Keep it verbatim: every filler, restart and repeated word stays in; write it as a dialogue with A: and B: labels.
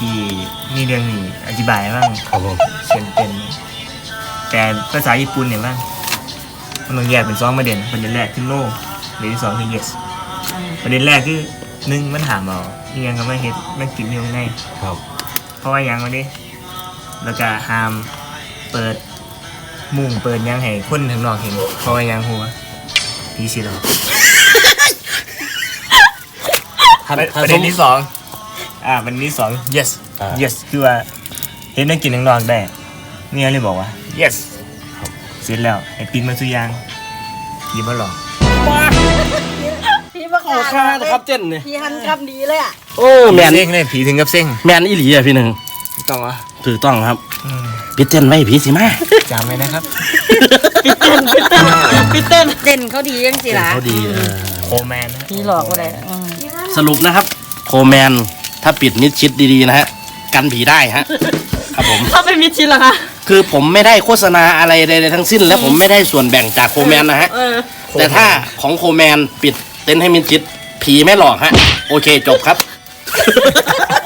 A: ที่มีเรื่องนี้อธิบายบ้าง
B: ครับผม
A: เช่นเป็นแต่ภาษาญี่ปุ่นเนี่ยบ้างมันต้องแยกเป็นสองประเด็นประเด็นแรกคือ no ประเด็นที่สองคือ yes ประเด็นแรกคือหนึ่งมันถามเอาอีกอย่างก็ไม่เห็นมันกินอยู่ใน
B: ครับ
A: เพราะว่ายังวันนี้แล้วก็ห้ามเปิดมุ้งเปิดยังให้คนข้างนอกเห็นเพราะว่ายังหัวพี่สิหรอ
B: ท่าน
A: ประ
B: ท่าน
A: ประ
B: ส
A: เด็
B: ม
A: นที่สองอ่าประเด็นที่สอง yes
B: อ่า
A: yes คือว่าเห็นได้กินข้างนอกได้เนี่ยเลยบอกว่า yes เสร็จแล้วไอ้ปินมาสุยางยิ้มมาหลอก
C: พี่มา
B: ขอค่านะครับเจนเนี่ย
C: พี่หันคำดีเลยอ่ะ
B: โอ้แมน
A: เส้งเลยผีถึงกับเส้ง
B: แมนอีหลีอะพี่หนึ่ง
A: ต้องวะ
B: ถูกต้องครับ
A: อืม
B: พี่เจนไว้พี่สิมา
A: จำไว้นะครับ
C: พี่เต้นพี่เต้นพี่เต้นเต้นเขาดียังสิล่ะ
B: เขาดีเออ
A: โคแมนนะ
C: พี่หลอกก็ได้อืม
B: สรุปนะครับโคแมนถ้าปิดมิดชิดดีๆนะฮะกันผีได้ฮะครับผม
C: ถ้าเป็นมิดชินล่ะคะ
B: คือผมไม่ได้โฆษณาอะไรใดๆทั้งสิ้น และผมไม่ได้ส่วนแบ่งจากโคแมนนะฮะ
C: เออ
B: แต่ถ้าของโคแมนปิดเต็นท์ให้มิดชิดผีไม่หลอกฮะโอเคจบครับ